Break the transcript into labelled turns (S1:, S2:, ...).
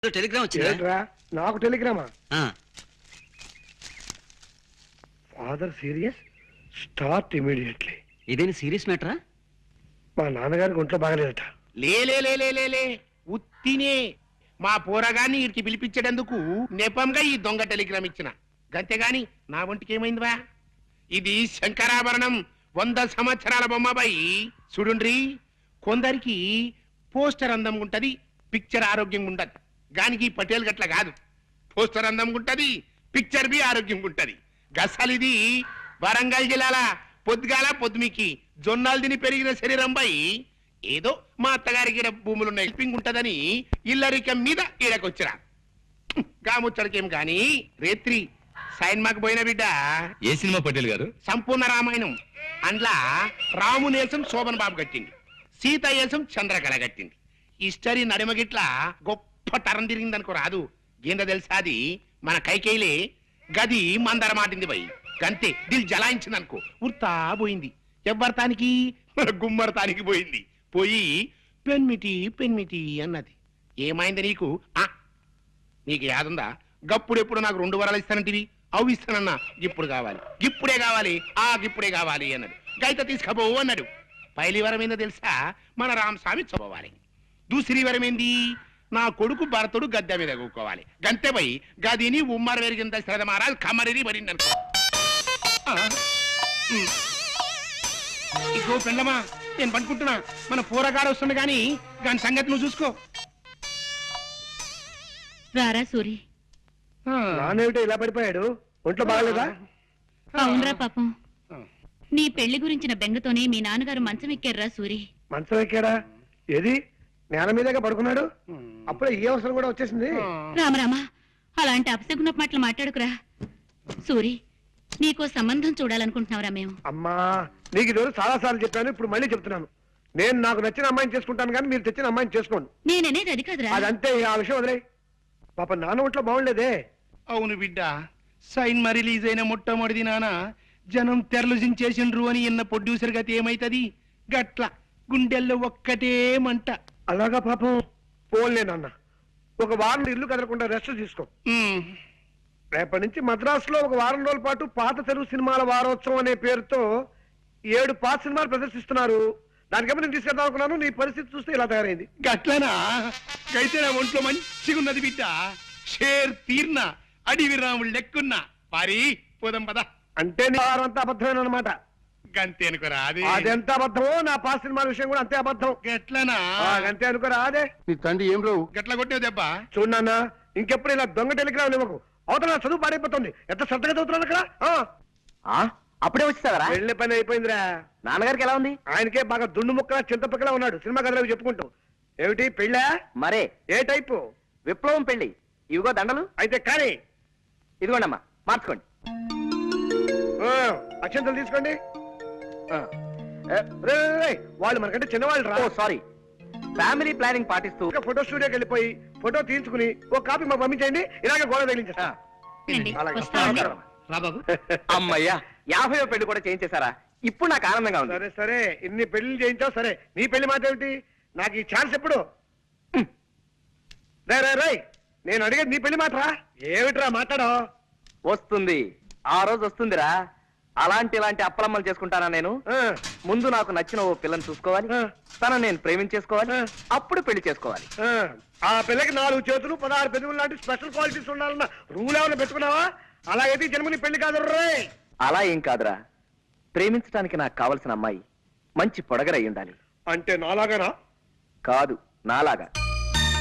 S1: Telegram వచ్చిందా?
S2: నాకు టెలిగ్రామా?
S1: ఆ.
S2: Father serious, start immediately.
S1: ఇదేని సీరియస్ మ్యాటరా?
S2: మా నాన్నగారికి ఒంట్లో బాగలేదట.
S3: లే ఉత్తినే మా పోరగాన్ని వీరికి పిలిపించేటందుకు నెపంగా ఈ దొంగ టెలిగ్రామ్ ఇచ్చిన గంతేగాని నా ఒంటికి ఏమైందివా? ఇది శంకరాభరణం 100 సంవత్సరాల బొమ్మబాయి. చూడుండ్రి, కొందరికి పోస్టర్ అందం ఉంటది, పిక్చర్ ఆరోగ్యంగా ఉండదు. గానికి పటేల్ గట్ల కాదు, పోస్టర్ అందం ఉంటది, పిక్చర్ బి ఆరోగ్యంగా ఉంటది. గసలిది వరంగల్ జిల్లాల పొద్దుగాల పొద్దుమికి జొన్నాలు తిని పెరిగిన శరీరం పై ఏదో మా అత్తగారికి భూములున్న హెల్పింగ్ ఉంటదని ఇల్లరికం మీద ఈడకొచ్చిరా. గాముచ్చడికేం గాని రేత్రి సైన్మాకు పోయిన బిడ్డ.
S4: ఏ సినిమా పటేల్ గారు?
S3: సంపూర్ణ రామాయణం. అందులో రామునేసం శోభన్ బాబు కట్టింది, సీత ఏసం చంద్రకళ కట్టింది. హిస్టరీ నడిమగిట్ల గొప్ప తరం తిరిగిందనుకో రాదు. ఏందో తెలుసా, అది మన కైకేయిలే గది మందర మాటింది పోయి గంతే దిల్ జలాయించింది అనుకో, ఉర్తా పోయింది. ఎవ్వరతానికి? మన గుమ్మరతానికి పోయింది. పోయి పెన్మిటి అన్నది. ఏమైంది నీకు? నీకు యాదుందా? గప్పుడెప్పుడు నాకు 2 వరాలు ఇస్తానంటివి, అవి ఇస్తానన్నా. ఇప్పుడు కావాలి, ఇప్పుడే కావాలి, ఇప్పుడే కావాలి అన్నాడు. గైత తీసుకపోవు అన్నాడు. పైలి వరం ఏందో తెలుసా? మన రామస్వామి చదవాలి. దూసరి వరం ఏంది? నా కొడుకు భరతుడు గద్దె మీద కూకోవాలి. గంతే పోయి గదిని ఉమ్మర వెరిగింత శ్రద్ధ మహారాజ్ కమరిని మరింది అనుకో. ఇగో పెండమా, నేను పనుకుంటున్నా. మన పూరగాడు వస్తుంది గాని దాని సంగతి నువ్వు చూసుకో.
S5: రారా సూరి.
S2: నానేమిటో ఇలా పడిపోయాడు? ఒంట్లో బాగలేదా?
S5: అవునరా పాపం, నీ పెళ్లి గురించిన బెంగతోనే మీ నాన్నగారు మంచం ఎక్కారా సూరి.
S2: మంచం ఎక్కాడా? ఏది నేల మీదగా పడుకున్నాడు? అప్పుడే ఈ అవసరం కూడా వచ్చేసింది.
S5: రామరామా, అలాంటి అపశకున మాటలు మాట్లాడుకురా. సూరి, నీకో సంబంధం చూడాలనుకుంటున్నావురా మేము.
S2: అమ్మా, నీకు ఈ రోజు చాలా సార్లు చెప్పాను, ఇప్పుడు మళ్ళీ చెప్తున్నాను. నేను నాకు నచ్చిన అమ్మాయిని చేసుకుంటాను కానీ మీరు తెచ్చిన అమ్మాయిని చేసుకోండి.
S5: నేననేది అది కాదురా.
S2: అదంతే, ఆ విషయం వదిలే. పాప నాన్న ఒంట్లో బాగుండేదే.
S3: అవును బిడ్డ, సైన్మా రిలీజ్ అయిన మొట్టమొదటి నాన్న జనం తెరలు జించేసిండ్రు అని ఎన్న ప్రొడ్యూసర్ గతి ఏమైతది? గట్ల గుండెల్లో ఒక్కటే మంట.
S2: అలాగా పాపం. పోన్లే నాన్న, ఒక వారం ఇల్లు కదలకుండా రెస్ట్ తీసుకో. రేపటి నుంచి మద్రాసులో ఒక వారం రోజుల పాటు పాత తెలుగు సినిమాల వారోత్సవం అనే పేరుతో 7 పాత సినిమాలు ప్రదర్శిస్తున్నారు. దానికేమో నేను తీసుకెళ్దాం అనుకున్నాను. నీ పరిస్థితి చూస్తే ఇలా తయారైంది.
S3: గట్లనా? అయితే నా ఒంట్లో మంచిగా ఉన్నది బిడ్డ. షేర్ తీర్న అడివి రాముడు లెక్కున్నా. పారి పోదాం పద.
S2: అంటే నీ వారం అంతా అబద్ధమేనమాట.
S3: గంతే అనుకోరా? అది
S2: అదెంత అబద్ధమో నా పాత సినిమాల విషయం కూడా అంతే అబద్ధం.
S3: గట్లనా?
S2: అంతే అనుకోరా? అదే
S3: నీ తండ్రి ఏం రావు గట్ల కొట్టావు దెబ్బ.
S2: చూడన్నా, ఇంకెప్పుడు ఇలా దొంగ టెలిగ్రామ్ ఇవ్వకు. అవతల చదువు పాడైపోతుంది. ఎంత శ్రద్ధగా చదువుతున్నాను అక్కడ.
S6: అప్పుడే వచ్చేసావరా?
S2: వెళ్ళే పని అయిపోయిందిరా.
S6: నాన్నగారికి ఎలా ఉంది?
S2: ఆయనకే బాగా దుండు ముక్కలా చింతపక్కలా ఉన్నాడు. సినిమా కథలు చెప్పుకుంటూ. ఏమిటి పెళ్ళా?
S6: మరే
S2: ఏ టైపు?
S6: విప్లవం పెళ్లి. ఇవిగో దండలు.
S2: అయితే కానీ
S6: ఇదిగోండమ్మా, మార్చుకోండి.
S2: అక్షంతలు తీసుకోండి. వాళ్ళు మనకంటే చిన్నవాళ్ళు రా.
S6: సారీ. ఫ్యామిలీ ప్లానింగ్ పాటిస్తూ
S2: ఫోటో స్టూడియోకి వెళ్ళిపోయి ఫోటో తీయించుకుని ఒక కాపీ మాకు పంపించండి. ఇలాగే గోడ తగిలించేస్తా.
S6: అమ్మయ్యా, 50వ పెళ్లి కూడా చేయించేశారా? ఇప్పుడు నాకు ఆనందంగా ఉంది.
S2: సరే సరే, ఇన్ని పెళ్లి చేయించావు సరే. నీ పెళ్లి మాట ఏమిటి? నాకు ఈ ఛాన్స్ ఎప్పుడు? రై, నేను అడిగేది నీ పెళ్లి మాటరా. ఏమిట్రా మాట్లాడో?
S6: వస్తుంది, ఆ రోజు వస్తుందిరా. ఇలాంటి అప్పలమ్మలు చేసుకుంటానా నేను? ముందు నాకు నచ్చిన ఓ పిల్లని చూసుకోవాలి, తనని నేను ప్రేమించేసుకోవాలి, అప్పుడు పెళ్లి చేసుకోవాలి.
S2: ఆ పిల్లకి 4 చేతులు 16 పెదవులు లాంటి స్పెషల్ క్వాలిటీస్ ఉండాలన్న రూల్ ఏమైనా పెట్టుకున్నావా? అలాగైతే జన్మని పెళ్లి కాదు రే.
S6: అలా ఏం కాదురా, ప్రేమించడానికి నాకు కావలసిన అమ్మాయి మంచి పొడగరై ఉండాలి.
S2: అంటే నాలాగానా?
S6: కాదు, నాలాగా.